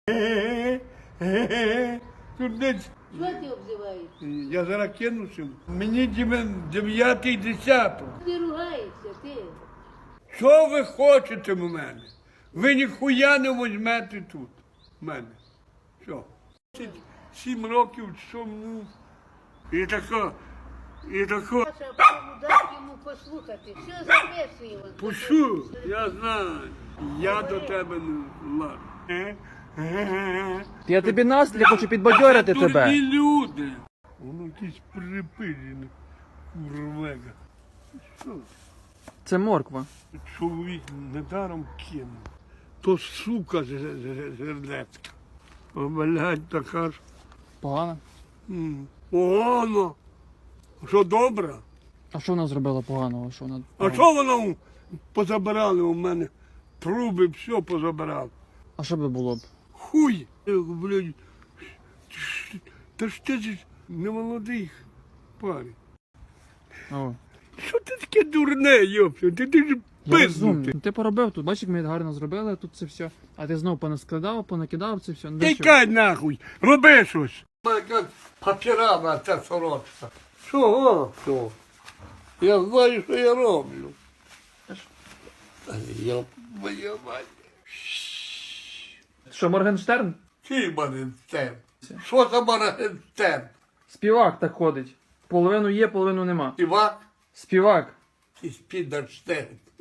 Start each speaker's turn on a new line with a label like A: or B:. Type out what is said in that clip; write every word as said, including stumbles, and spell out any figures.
A: Тут десь.
B: Що ти обзиваєш?
A: Я зараз кинуся. Мені дев'ятий десяток.
B: Ти ругаєшся, ти.
A: Що ви хочете в мене? Ви ніхуя не візьмете тут в мене. Що? Сім років чому? І тако, і тако.
B: Саша, дай йому послухати. Що записує він?
A: Пущу, я знаю. Я до тебе не лажу.
C: Я тобі настрій хочу підбадьорити
A: Дурні
C: тебе.
A: люди. Воно якісь припижені. Курвега. Що?
C: Це морква.
A: Чоловік недаром кинув. То сука жердецька. О, блядь, така ж.
C: Погано.
A: М, Погано. Що добре?
C: А що вона зробила поганого? Що вона...
A: А що воно позабирали у мене? Труби, все позабирали.
C: А що би було б?
A: Хуй! Я говорю, блядь, та ж ти ж не молодий парень.
C: О.
A: Що ти таке дурне, йопсю? Ти, ти ж
C: Я розумний.
A: пизнутий.
C: Ти поробив тут, бачиш, як ми гарно зробили тут це все. А ти знову понаскладав, понакидав це все. Ну, для чого?
A: Тікай нахуй, роби щось. Яка папірана ця сорочка. Чого? Що? Я знаю, що я роблю. Я моя мать.
C: Що, Моргенштерн?
A: Чий Моргенштерн? Що за Моргенштерн?
C: Співак так ходить. Половину є, половину нема.
A: Співак
C: Співак.
A: чи Спідерштерн?